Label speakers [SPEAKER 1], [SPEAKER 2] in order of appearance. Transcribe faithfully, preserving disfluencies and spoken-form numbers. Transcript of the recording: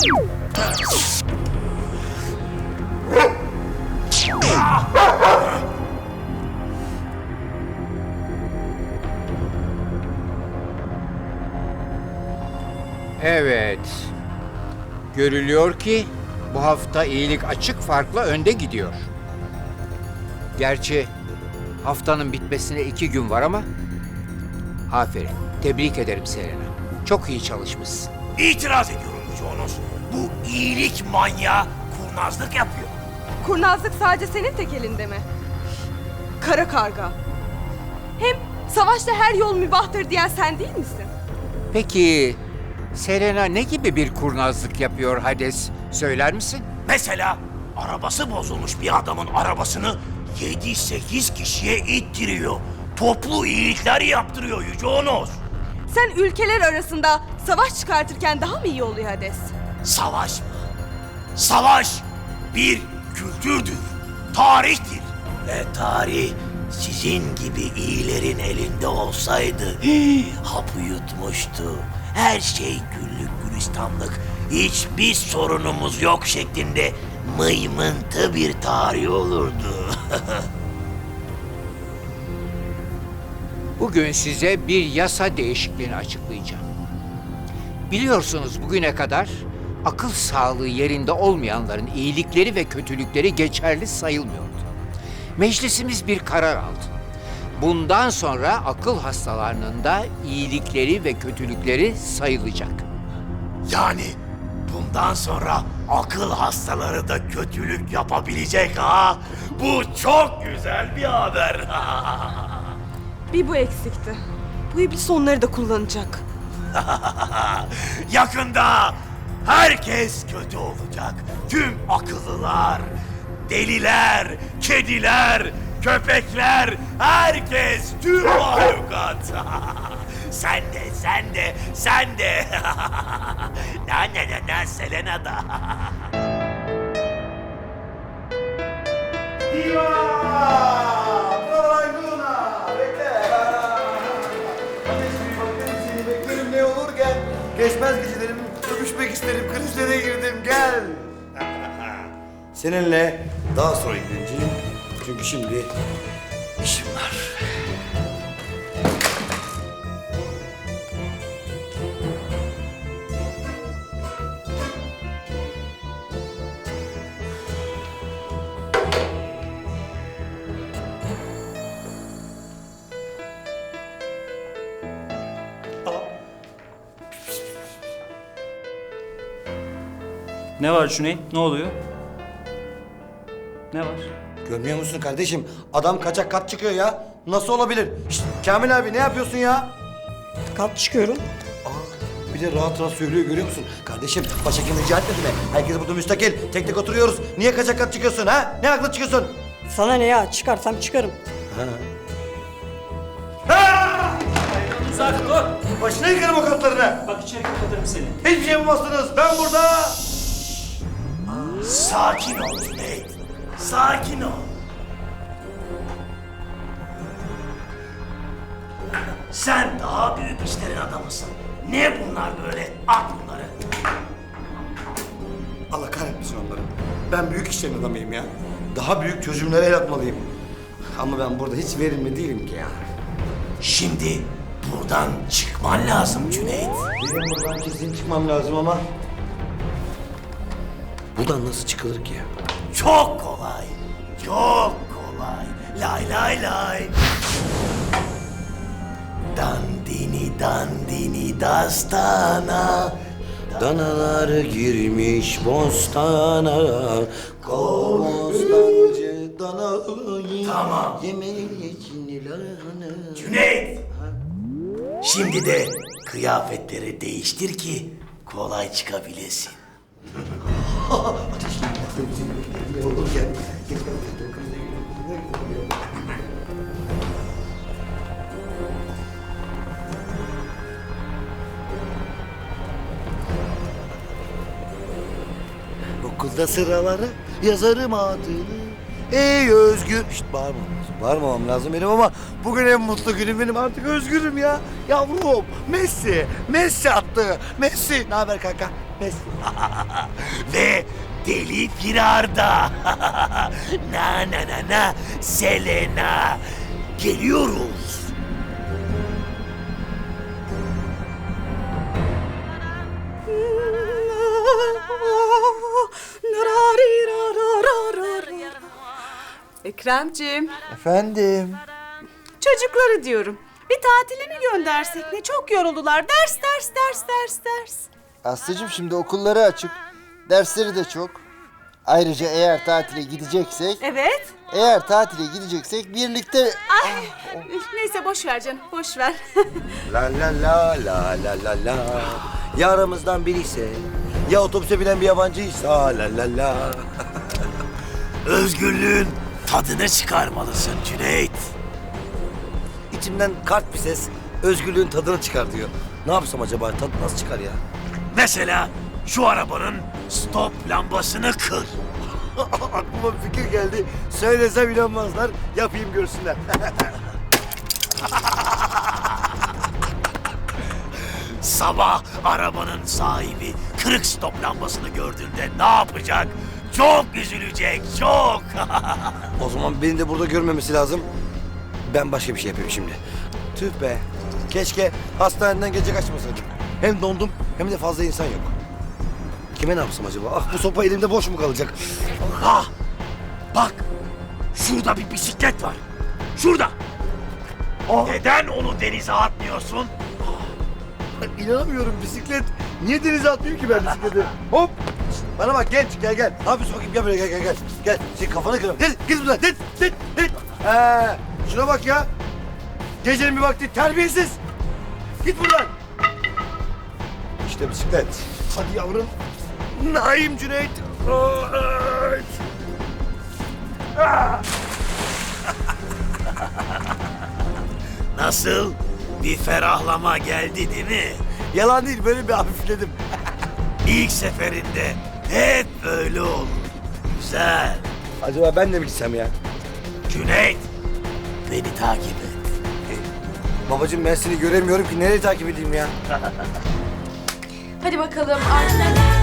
[SPEAKER 1] Evet. Görülüyor ki bu hafta iyilik açık farkla önde gidiyor. Gerçi haftanın bitmesine iki gün var ama aferin. Tebrik ederim Selena. Çok iyi çalışmışsın.
[SPEAKER 2] İtiraz ediyorum Jonas. Bu iyilik manyağı kurnazlık yapıyor.
[SPEAKER 3] Kurnazlık sadece senin tek elinde mi? Kara karga. Hem savaşta her yol mübahtır diyen sen değil misin?
[SPEAKER 1] Peki Selena ne gibi bir kurnazlık yapıyor Hades? Söyler misin?
[SPEAKER 2] Mesela arabası bozulmuş bir adamın arabasını yedi sekiz kişiye ittiriyor. Toplu iyilikler yaptırıyor Yüce Onos.
[SPEAKER 3] Sen ülkeler arasında savaş çıkartırken daha mı iyi oluyor Hades?
[SPEAKER 2] Savaş mı? Savaş bir kültürdür, tarihtir. Ve tarih sizin gibi iyilerin elinde olsaydı hapı yutmuştu. Her şey güllük gülistanlık, hiçbir sorunumuz yok şeklinde mıymıntı bir tarih olurdu.
[SPEAKER 1] Bugün size bir yasa değişikliğini açıklayacağım. Biliyorsunuz bugüne kadar akıl sağlığı yerinde olmayanların iyilikleri ve kötülükleri geçerli sayılmıyordu. Meclisimiz bir karar aldı. Bundan sonra akıl hastalarının da iyilikleri ve kötülükleri sayılacak.
[SPEAKER 2] Yani bundan sonra akıl hastaları da kötülük yapabilecek ha? Bu çok güzel bir haber.
[SPEAKER 3] Bir bu eksikti. Bu iblis onları da kullanacak.
[SPEAKER 2] Yakında herkes kötü olacak. Tüm akıllılar, deliler, kediler, köpekler, herkes, tüm mahlukat. Sen de, sen de, sen de. Na na na na Selena da.
[SPEAKER 4] Diva! Caroline Luna! Bekle! Ateş bir bakıyorum seni beklerim ne olur gel. Geçmez gecelerim, öpüşmek isterim, krizlere girdim gel. Seninle daha sonra ilgileneceğim. Çünkü şimdi işim var.
[SPEAKER 5] Ne var Cüneyt? Ne oluyor? Ne var?
[SPEAKER 4] Görmüyor musun kardeşim? Adam kaçak kat çıkıyor ya. Nasıl olabilir? Şişt, Kamil abi ne yapıyorsun ya?
[SPEAKER 6] Kat çıkıyorum.
[SPEAKER 4] Aa, bir de rahat rahat söylüyor görüyor musun? Kardeşim başhekim rica etmedi mi? Herkes burada müstakil. Tek tek oturuyoruz. Niye kaçak kat çıkıyorsun ha? Ne haklı çıkıyorsun?
[SPEAKER 6] Sana ne ya? Çıkarsam çıkarım.
[SPEAKER 5] Uzak dur!
[SPEAKER 4] Başına yıkarım o katlarını.
[SPEAKER 5] Bak içeri kapatırım seni.
[SPEAKER 4] Hiçbir şey yapamazsınız. Ben burada.
[SPEAKER 2] Sakin ol Cüneyt. Sakin ol. Sen daha büyük işlerin adamısın. Ne bunlar böyle? At bunları.
[SPEAKER 4] Allah kahretmesin onları. Ben büyük işlerin adamıyım ya. Daha büyük çözümlere el atmalıyım. Ama ben burada hiç verimli değilim ki ya.
[SPEAKER 2] Şimdi buradan çıkman lazım Cüneyt.
[SPEAKER 4] Benim buradan kesin çıkmam lazım ama... Buradan nasıl çıkılır ki ya?
[SPEAKER 2] Çok kolay. Çok kolay. Lay lay lay. Dandini dandini dastana.
[SPEAKER 4] Danalar girmiş bostana. Bostancı danayı.
[SPEAKER 2] Tamam.
[SPEAKER 4] Yemeği için lahana.
[SPEAKER 2] Cüneyt. Şimdi de kıyafetleri değiştir ki kolay çıkabilesin.
[SPEAKER 4] Ateş ne olur gel. Gel, gel, gel. Okulda sıraları yazarım adını. Ey özgür. Şşt bağırmam lazım. Bağırmamam lazım benim ama bugün en mutlu günüm benim, artık özgürüm ya. Yavrum Messi. Messi attı. Messi. Ne haber kanka?
[SPEAKER 2] Pes. Ve Deli Firarda. Na na na na Selena. Geliyoruz.
[SPEAKER 7] Ekremciğim,
[SPEAKER 4] Efendim?
[SPEAKER 7] çocukları diyorum. Bir tatile mi göndersek ne? Çok yoruldular. Ders, ders, ders, ders, ders.
[SPEAKER 8] Aslıcığım şimdi okulları açık. Dersleri de çok. Ayrıca eğer tatile gideceksek,
[SPEAKER 7] Evet.
[SPEAKER 8] eğer tatile gideceksek birlikte...
[SPEAKER 7] Ay, neyse boş ver canım, boş ver.
[SPEAKER 9] La la la la la la la. Ya aramızdan biri ise, ya otobüse binen bir yabancıysa la la la.
[SPEAKER 2] Özgürlüğün tadını çıkarmalısın Cüneyt.
[SPEAKER 9] İçimden kart bir ses özgürlüğün tadını çıkar diyor. Ne yapsam acaba? Tadı nasıl çıkar ya?
[SPEAKER 2] Mesela şu arabanın stop lambasını kır.
[SPEAKER 9] Aklıma bir fikir geldi. Söylesem inanmazlar. Yapayım görsünler.
[SPEAKER 2] Sabah arabanın sahibi kırık stop lambasını gördüğünde ne yapacak? Çok üzülecek, çok.
[SPEAKER 9] O zaman beni de burada görmemesi lazım. Ben başka bir şey yapayım şimdi. Tüh be. Keşke hastaneden gece kaçmasaydım. Hem dondum hem de fazla insan yok. Kime ne yapsam acaba? Ah, bu sopa elimde boş mu kalacak?
[SPEAKER 2] Ha, bak şurada bir bisiklet var. Şurada. Neden onu denize atmıyorsun?
[SPEAKER 9] İnanamıyorum, bisiklet. Niye denize atmayayım ki ben bisikleti? Hop! Bana bak, genç, gel gel. Ne yapıyorsun bakayım, gel buraya, gel gel gel. Gel, senin kafanı kırarım. Gel, git buradan, git, git, git. Ee, şuna bak ya. Gecenin bir vakti terbiyesiz. Git buradan. İşte bisiklet. Hadi yavrum. Naim Cüneyt. Evet. Ah!
[SPEAKER 2] Nasıl? Bir ferahlama geldi değil mi?
[SPEAKER 9] Yalan değil, böyle bir hafifledim.
[SPEAKER 2] İlk seferinde hep böyle olur. Güzel.
[SPEAKER 9] Acaba ben de mi gitsem ya?
[SPEAKER 2] Cüneyt, beni takip et.
[SPEAKER 9] Babacığım ben seni göremiyorum ki, nereye takip edeyim ya?
[SPEAKER 3] Hadi bakalım. Artık